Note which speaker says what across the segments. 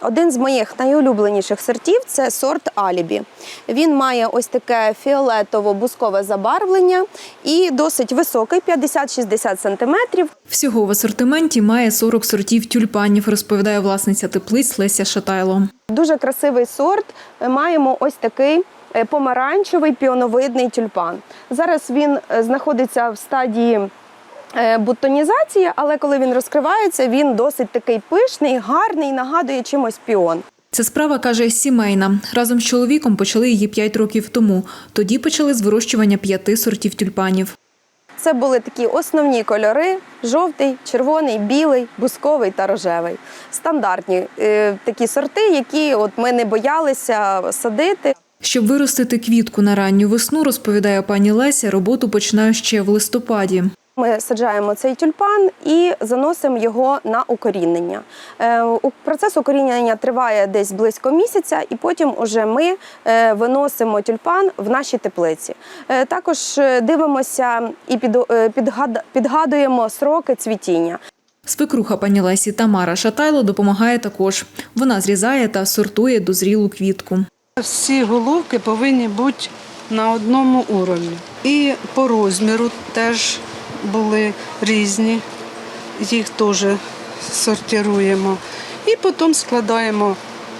Speaker 1: Один з моїх найулюбленіших сортів – це сорт Алібі. Він має ось таке фіолетово-бускове забарвлення і досить високий, 50-60 см.
Speaker 2: Всього в асортименті має 40 сортів тюльпанів, розповідає власниця теплиць Леся Шатайло.
Speaker 1: Дуже красивий сорт. Маємо ось такий помаранчевий піоновидний тюльпан. Зараз він знаходиться в стадії бутонізації, але коли він розкривається, він досить такий пишний, гарний, нагадує чимось піон.
Speaker 2: Ця справа, каже, сімейна. Разом з чоловіком почали її 5 років тому. Тоді почали з вирощування 5 сортів тюльпанів.
Speaker 1: Це були такі основні кольори – жовтий, червоний, білий, бусковий та рожевий. Стандартні такі сорти, які ми не боялися садити.
Speaker 2: Щоб виростити квітку на ранню весну, розповідає пані Леся, роботу починає ще в листопаді.
Speaker 1: Ми саджаємо цей тюльпан і заносимо його на укорінення. Процес укорінення триває десь близько місяця, і потім уже ми виносимо тюльпан в наші теплиці. Також дивимося і підгадуємо сроки цвітіння.
Speaker 2: Свекруха пані Лесі Тамара Шатайло допомагає також. Вона зрізає та сортує дозрілу квітку.
Speaker 3: Всі головки повинні бути на одному уровні. І по розміру теж були різні, їх теж сортуємо. І потім складаємо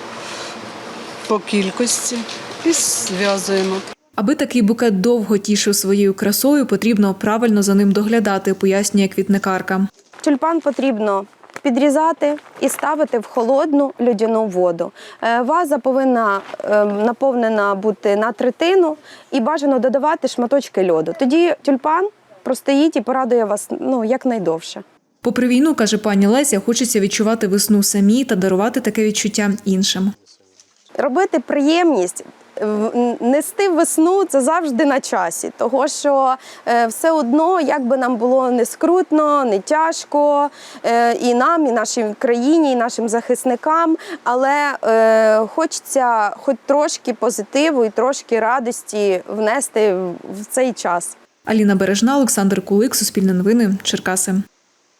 Speaker 3: по кількості і зв'язуємо.
Speaker 2: Аби такий букет довго тішив своєю красою, потрібно правильно за ним доглядати, пояснює квітникарка.
Speaker 1: Тюльпан потрібно підрізати і ставити в холодну льодяну воду. Ваза повинна наповнена бути на третину і бажано додавати шматочки льоду. Тоді тюльпан простоїть і порадує вас якнайдовше.
Speaker 2: Попри війну, каже пані Леся, хочеться відчувати весну самі та дарувати таке відчуття іншим.
Speaker 1: Робити приємність, нести весну – це завжди на часі, того що все одно, як би нам було не скрутно, не тяжко, і нам, і нашій країні, і нашим захисникам, але хочеться хоч трошки позитиву і трошки радості внести в цей час.
Speaker 2: Аліна Бережна, Олександр Кулик, Суспільне новини, Черкаси.